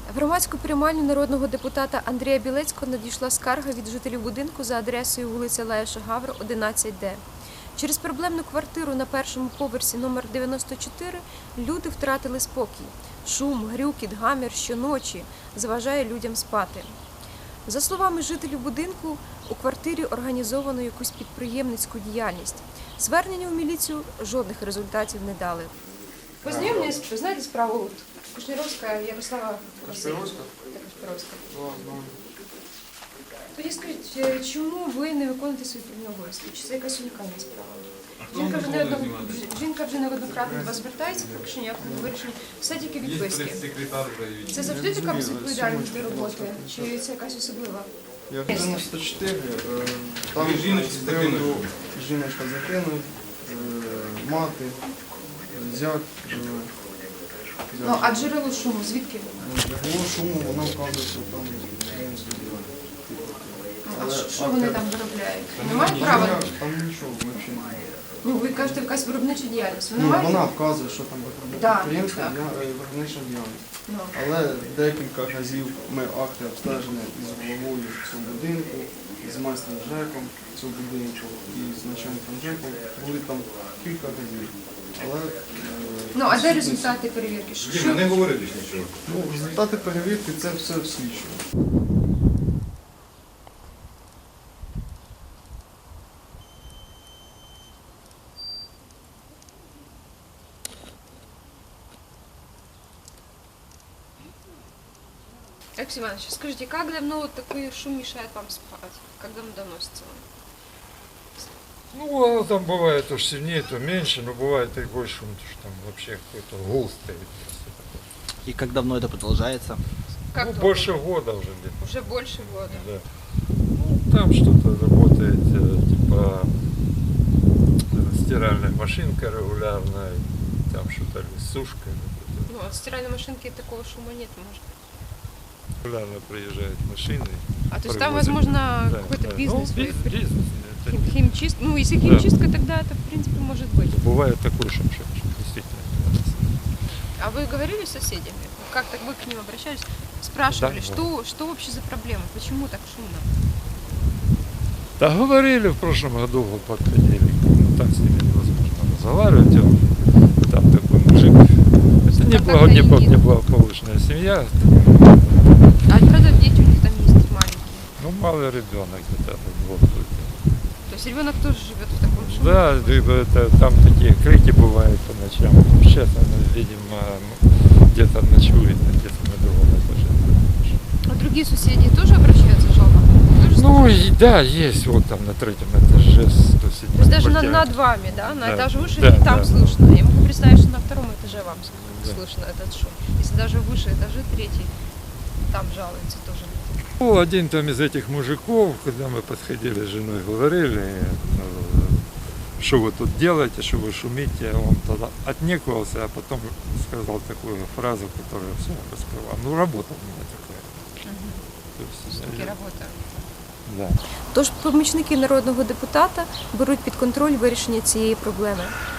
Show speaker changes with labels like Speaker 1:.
Speaker 1: В громадську приймальню народного депутата Андрія Білецького надійшла скарга від жителів будинку за адресою вулиця Леша Гавра, 11Д. Через проблемну квартиру на першому поверсі номер 94 люди втратили спокій. Шум, грюкіт, гамір щоночі заважає людям спати. За словами жителів будинку, у квартирі організовано якусь підприємницьку діяльність. Звернення в міліцію жодних результатів не дали. Познайомтесь, ви знаєте справу Кушніровська Ярослава Васильівна? Кушніровська. Тоді скажіть, чому ви не виконуєте свої прямі обов'язки? Чи це якась унікальна справа? Жінка вже неоднократно до вас звертається, поки що ніякого вирішення. Все тільки відписки. Це завжди така безвідповідальність до роботи? Чи це якась особлива?
Speaker 2: Я в 94, там жіночка закинув, мати, зять.
Speaker 1: Ну, а джерело шуму звідки?
Speaker 2: Джерело шуму, вона вказує, що там
Speaker 1: А що вони там виробляють? Не мають права?
Speaker 2: Там нічого взагалі немає.
Speaker 1: Ну, ви кажете, якась виробнича діяльність.
Speaker 2: Вона вказує, що там підприємство, виробнича діяльність. Але декілька разів ми акти обстеження із головою цього будинку, з майстром ЖЕКом цього будинку і з начальником ЖЕКом були там кілька разів. Але,
Speaker 1: ну, а де результати перевірки?
Speaker 3: Що? Не говорили нічого.
Speaker 2: Ну, результати перевірки – це все в слідчому.
Speaker 1: Алексей Иванович, скажите, как давно вот такой шум мешает вам спать? Как давно доносится вам?
Speaker 4: Ну, оно там бывает то сильнее, то меньше, но бывает и больше, что там вообще какой-то гул стоит.
Speaker 5: И как давно это продолжается?
Speaker 1: Как
Speaker 4: Ну,
Speaker 1: долго?
Speaker 4: больше года уже где-то.
Speaker 1: Уже больше года.
Speaker 4: Да. Ну, там что-то работает, типа стиральная машинка регулярная, там что-то сушка.
Speaker 1: Ну, от стиральной машинки такого шума нет, может быть.
Speaker 4: Регулярно приезжают машины.
Speaker 1: А то есть там,
Speaker 4: привозят.
Speaker 1: возможно,
Speaker 4: Да,
Speaker 1: какой-то
Speaker 4: да.
Speaker 1: бизнес?
Speaker 4: Ну, бизнес. Это
Speaker 1: Химчистка. Ну, если химчистка, тогда это, в принципе, может быть.
Speaker 4: бывает такой шум, что действительно.
Speaker 1: А вы говорили с соседями? Как-то вы к ним обращались? Спрашивали,
Speaker 4: Да.
Speaker 1: что вообще за проблема? Почему так шумно?
Speaker 4: Да говорили в прошлом году, вот подходили, ну так с ними невозможно разговаривать, там такой мужик, это неблагополучная семья,
Speaker 1: А правда, дети у них там есть маленькие?
Speaker 4: ну малый ребенок где-то вот.
Speaker 1: То есть ребенок тоже живет в таком шуме?
Speaker 4: Да, там такие крики бывают по ночам, сейчас она, видимо, где-то ночует, где-то на другом этаже.
Speaker 1: А другие соседи тоже обращаются с жалобами? Тоже
Speaker 4: Ну и да, есть вот там на третьем этаже, 107
Speaker 1: То есть даже над вами, да? На
Speaker 4: Да,
Speaker 1: этаж выше,
Speaker 4: да,
Speaker 1: и там
Speaker 4: да.
Speaker 1: слышно. Я могу представить, что на втором этаже вам
Speaker 4: Да.
Speaker 1: слышно этот шум. Если даже выше этажи, третий, там жалуются тоже люди.
Speaker 4: Ну, один там из этих мужиков, когда мы подходили с женой, говорили, что вы тут делаете, что вы шумите, он тогда отнекивался, а потом сказал такую фразу, которая все раскрывала. Ну, работа у меня такая. То есть,
Speaker 1: Такі роботи.
Speaker 4: да.
Speaker 1: Тож помічники народного депутата беруть під контроль вирішення цієї проблеми.